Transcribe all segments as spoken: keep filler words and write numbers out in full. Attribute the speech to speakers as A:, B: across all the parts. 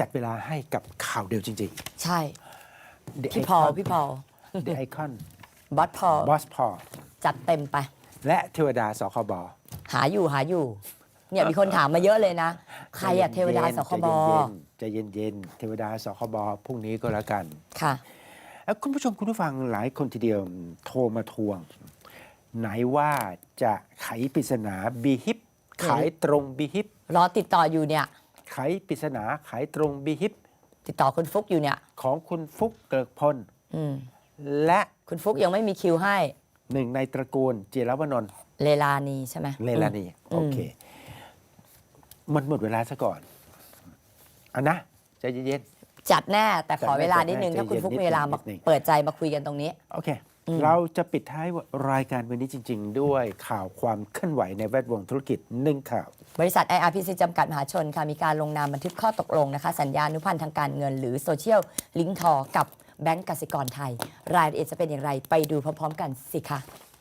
A: จัดเวลาให้กับข่าวเดียวจริง
B: ใช่
A: ๆ The
B: พี่พอล
A: Icon
B: พี่พอล
A: The Icon
B: บอสพอล
A: Boss Paul
B: จัดเต็มไป
A: และเทวดาสคบ
B: หาอยู่หาอยู่เนี่ยมีคนถามมาเยอะเลยนะ ใครอะเทวดาสคบ
A: ใจเย็นๆเทวดาสคบพรุ่งนี้ก็แล้วกัน
B: ค่ะ
A: แล้วคุณผู้ชมคุณผู้ฟังหลายคนทีเดียวโทรมาทวง ไหนว่าจะไขปริศนาบีฮิปขายตรงบีฮิป
B: รอติดต่ออยู่เนี่ย
A: ไขปริศนาขายตรงบีฮิป
B: ติดต่อคุณฟุกอยู่เนี่ย
A: ของคุณฟุกเกิกพล
B: อืม
A: และ
B: คุณฟุกยังไม่มีคิวให้
A: หนึ่งในตระกูลเจรวนนท์
B: เลลานีใช่ไหม
A: เลลานีโอเค มันหมดเวลาซะก่อนอันนะใจเย็น
B: จัดแน่แต่ขอ
A: จัดแน่
B: เวลานิดนึง
A: จัดแน่
B: ถ้าคุณฟุก
A: ใจเย็น
B: มีเวลา
A: นิ
B: มา
A: ดนึง
B: เปิดใจมาคุยกันตรงนี้
A: ๆโอเค เราจะปิดท้ายรายการวันนี้จริง ๆ ด้วยข่าวความเคลื่อนไหวในแวดวงธุรกิจหนึ่งข่าว
B: บริษัท ไอ อาร์ พี ซี จำกัดมหาชนค่ะมีการลงนามบันทึกข้อตกลงนะคะสัญญานุพันธ์ทางการเงิน หรือโซเชียลลิงก์ทอกับแบงก์กสิกรไทย รายละเอียดจะเป็นอย่างไรไปดูพร้อมๆกันสิคะ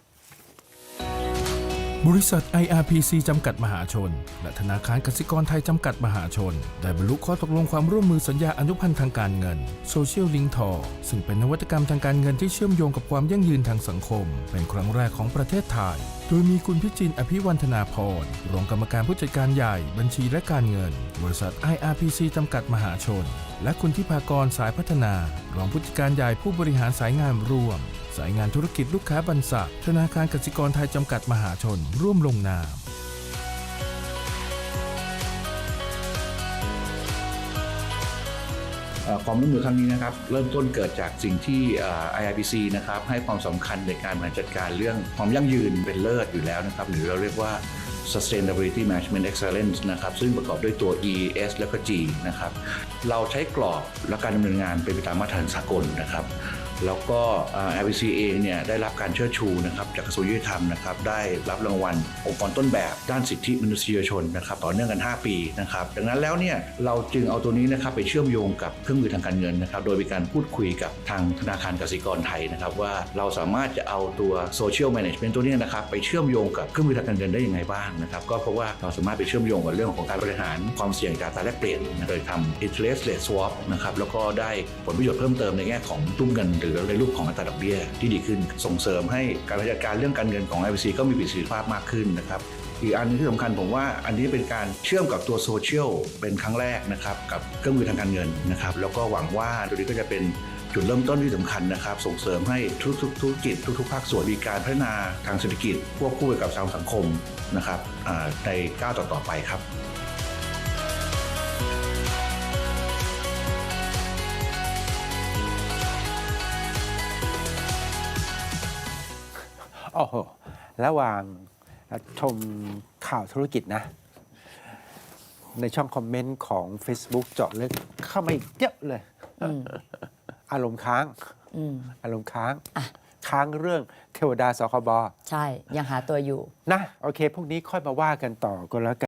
C: บริษัท ไอ อาร์ พี ซี จำกัดมหาชนและธนาคารกสิกรไทยจำกัดมหาชนได้บรรลุข้อตกลงความร่วมมือสัญญาอนุพันธ์ทางการเงิน Social Link ทอซึ่งเป็นนวัตกรรมทางการเงินที่เชื่อมโยงกับความยั่งยืนทางสังคมเป็นครั้งแรกของประเทศไทยโดยมีคุณพิจินอภิวันธนาพรรองกรรมการผู้จัดการใหญ่บัญชีและการเงินบริษัท ไอ อาร์ พี ซี จำกัดมหาชนและคุณทิพากรสายพัฒนารองผู้จัดการใหญ่ผู้บริหารสายงานร่วมสายงานธุรกิจลูกค้าบรรษัทธนาคารกสิกรไทยจำกัดมหาชนร่วมลงนาม
D: ความร่วมมือครั้งนี้นะครับเริ่มต้นเกิดจากสิ่งที่ ไอ อาร์ พี ซี นะครับให้ความสำคัญในการบริหารจัดการเรื่องความยั่งยืนเป็นเลิศอยู่แล้วนะครับหรือเราเรียกว่า Sustainability Management Excellence นะครับซึ่งประกอบด้วยตัว E S และก็ G นะครับเราใช้กรอบและการดำเนินงานเป็นไปตามมาตรฐานสากลนะครับแล้วก็ ไอ อาร์ พี ซี เองเนี่ยได้รับการเชิดชูนะครับจากกระทรวงยุติธรรมนะครับได้รับรางวัลองค์กรต้นแบบด้านสิทธิมนุษยชนนะครับต่อเนื่องกันห้าปีนะครับดังนั้นแล้วเนี่ยเราจึงเอาตัวนี้นะครับไปเชื่อมโยงกับเครื่องมือทางการเงินนะครับโดยมีการพูดคุยกับทางธนาคารกสิกรไทยนะครับว่าเราสามารถจะเอาตัว Social Management ตัวนี้นะครับไปเชื่อมโยงกับเครื่องมือทางการเงินได้ยังไงบ้างนะครับก็เพราะว่าเราสามารถไปเชื่อมโยงกับเรื่องของการบริหารความเสี่ยงจากอัตราแลกเปลี่ยนโดยทำ interest rate swap นะครับแล้วก็ได้ผลประโยชน์เพิ่มเติมในแง่ของตุ้มเงินหรือในรูปของอัตราดอกเบี้ยที่ดีขึ้นส่งเสริมให้การบริหารจัดการเรื่องการเงินของ ไอ พี ซี ก็มีประสิทธิภาพมากขึ้นนะครับอีกอันนึงที่สำคัญผมว่าอันนี้เป็นการเชื่อมกับตัวโซเชียลเป็นครั้งแรกนะครับกับเครื่องมือทางการเงินนะครับแล้วก็หวังว่าตัวนี้ก็จะเป็นจุดเริ่มต้นที่สำคัญนะครับส่งเสริมให้ทุกๆธุรกิจทุกๆภาคส่วนมีการพัฒนาทางเศรษฐกิจควบคู่ไปกับทางสังคมนะครับในก้าวต่อๆไปครับ
A: โอ้โหระหว่างชมข่าวธุรกิจนะ ในช่องคอมเมนต์ของ Facebook เจาะลึกเข้ามาอีกเยอะเลย อารมณ์ค้าง อารมณ์ค้าง ค้างเรื่องเทวดาสคบ
B: ใช่ยังหาตัวอยู่
A: นะ โอเค พวกนี้ค่อยมาว่ากันต่อก็แล้วกัน